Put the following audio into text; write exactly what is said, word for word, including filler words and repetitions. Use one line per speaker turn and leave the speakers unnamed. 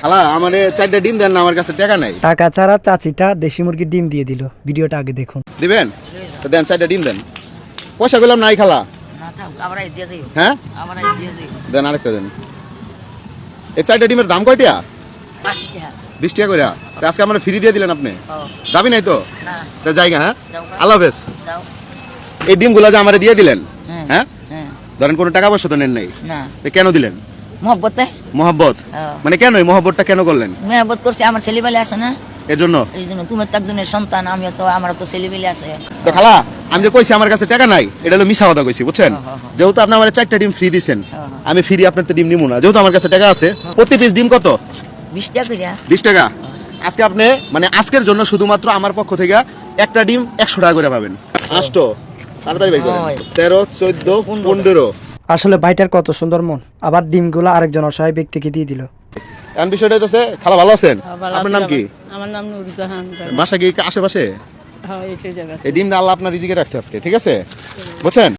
খালা আমারে চারটা ডিম দেন না, আমার কাছে টাকা নাই।
টাকা ছাড়া চাচিটা দেশি মুরগির ডিম দিয়ে দিল। ভিডিওটা আগে দেখুন।
দিবেন তো দেন, চারটা ডিম দেন। পয়সা পেলাম নাই খালা। হ্যাঁ দেন, আরেকটা দেন। এই চারটা ডিমের দাম কয়টা? বিশ টাকা করে। আজকে আমার ফ্রি দিয়ে দিলেন আপনি, দাবি নাই তো জায়গা। হ্যাঁ আল্লাহ হাফেজ। এই ডিমগুলো যে আমার দিয়ে দিলেন, হ্যাঁ ধরেন কোনো টাকা পয়সা তো নেন নাই, কেন দিলেন?
মহব্বতে
মহব্বত মানে কেন? এই মহব্বতটা কেন করলেন?
মহব্বত করছে, আমার ছেলেবেলে আছে না,
এর জন্য।
এই জন্য তুমি তো একজনের সন্তান, আমিও তো, আমার তো ছেলেবেলে আছে।
তো খালা আমি যে কইছি আমার কাছে টাকা নাই, এটা হলো মিছা কথা কইছি, বুঝছেন? যেহেতু আপনি আমার চারটা ডিম ফ্রি দিচ্ছেন, আমি ফ্রি আপনার তো ডিম নিবো না। যেহেতু আমার কাছে টাকা আছে, প্রতি পিস ডিম কত?
বিশ টাকা করে।
বিশ টাকা। আজকে আপনি মানে আজকের জন্য শুধুমাত্র আমার পক্ষ থেকে একটা ডিম একশো টাকা করে পাবেন। আষ্ট তাড়াতাড়ি ভাই করেন। তেরো চোদ্দ পনেরো।
আসলে ভাইটার কত সুন্দর মন, আবার ডিমগুলো আরেকজন অসহায় ব্যক্তিকে দিয়ে দিল।
এখন বিষয়টা হচ্ছে, খালা ভালো আছেন? আপনার নাম কি?
আমার নাম নুরজাহান।
বাসা কি আশেপাশে?
হ্যাঁ, এই জায়গা।
এই ডিমটা আল্লাহ আপনার রিজিকে রাখছে আজকে, ঠিক আছে বুঝছেন?